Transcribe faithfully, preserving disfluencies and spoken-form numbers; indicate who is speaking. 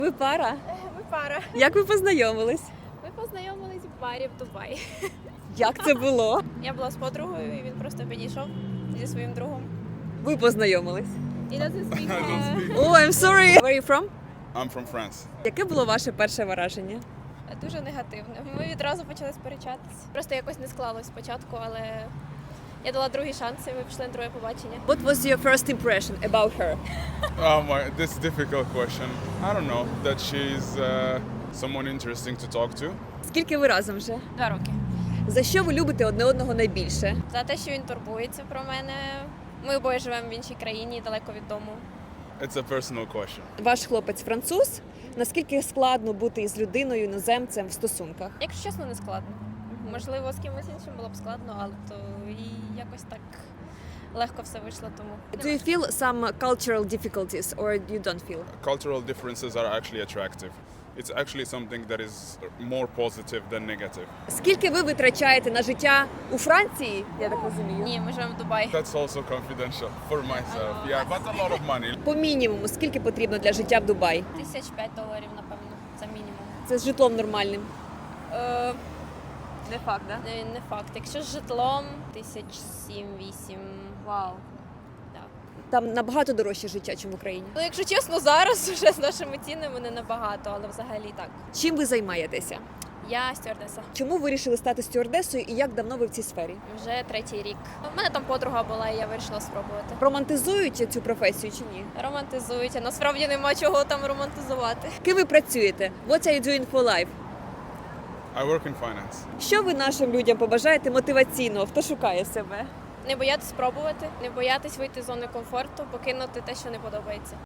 Speaker 1: Ви пара?
Speaker 2: Ми пара.
Speaker 1: Як ви познайомились?
Speaker 2: Ми познайомились в барі в Дубаї.
Speaker 1: Як це було?
Speaker 2: Я була з подругою, і він просто підійшов зі своїм другом.
Speaker 1: Ви познайомились?
Speaker 2: І doesn't speak.
Speaker 3: I don't speak.
Speaker 1: Oh, I'm sorry. Where are you from?
Speaker 3: I'm from France.
Speaker 1: Яке було ваше перше враження?
Speaker 2: Дуже негативне. Ми відразу почали сперечатись. Просто якось не склалось спочатку, але я дала другий шанс, і ми пішли на друге побачення.
Speaker 1: What was your first impression about her?
Speaker 3: Oh my, this is a difficult question. I don't know that she's uh, someone interesting to talk to.
Speaker 1: Скільки ви разом вже?
Speaker 2: Два роки.
Speaker 1: За що ви любите одне одного найбільше?
Speaker 2: За те, що він турбується про мене. Ми обоє живемо в іншій країні, далеко від дому.
Speaker 3: It's a personal question.
Speaker 1: Ваш хлопець француз. Наскільки складно бути із людиною іноземцем в стосунках?
Speaker 2: Якщо чесно, не складно. Можливо, з кимось іншим було б складно, але то і якось так легко все вийшло, тому.
Speaker 1: Do you feel some cultural difficulties or you don't feel?
Speaker 3: Cultural differences are actually attractive. It's actually something that is more positive than negative.
Speaker 1: Скільки ви витрачаєте на життя у Франції? Я так розумію.
Speaker 2: Ні, ми живемо в Дубаї.
Speaker 3: That's also confidential for myself. Yeah, but a lot of money.
Speaker 1: По мінімуму, скільки потрібно для життя в Дубаї?
Speaker 2: Тисяч п'ять доларів, напевно, це мінімум.
Speaker 1: Це з житлом нормальним.
Speaker 2: Е,
Speaker 1: Не факт, да?
Speaker 2: не, не факт. Якщо з житлом, тисяч сім-вісім.
Speaker 1: Вау.
Speaker 2: Да.
Speaker 1: Там набагато дорожче життя, ніж в Україні.
Speaker 2: Ну, якщо чесно, зараз вже з нашими цінами не набагато, але взагалі так.
Speaker 1: Чим ви займаєтеся?
Speaker 2: Я стюардеса.
Speaker 1: Чому вирішили стати стюардесою і як давно ви в цій сфері?
Speaker 2: Вже третій рік. У мене там подруга була, і я вирішила спробувати.
Speaker 1: Романтизують цю професію чи ні?
Speaker 2: Романтизують, а насправді нема чого там романтизувати.
Speaker 1: Ким ви працюєте? What are you doing for life?
Speaker 3: I work in finance.
Speaker 1: Що ви нашим людям побажаєте мотиваційного, хто шукає себе?
Speaker 2: Не боятись спробувати, не боятись вийти з зони комфорту, покинути те, що не подобається.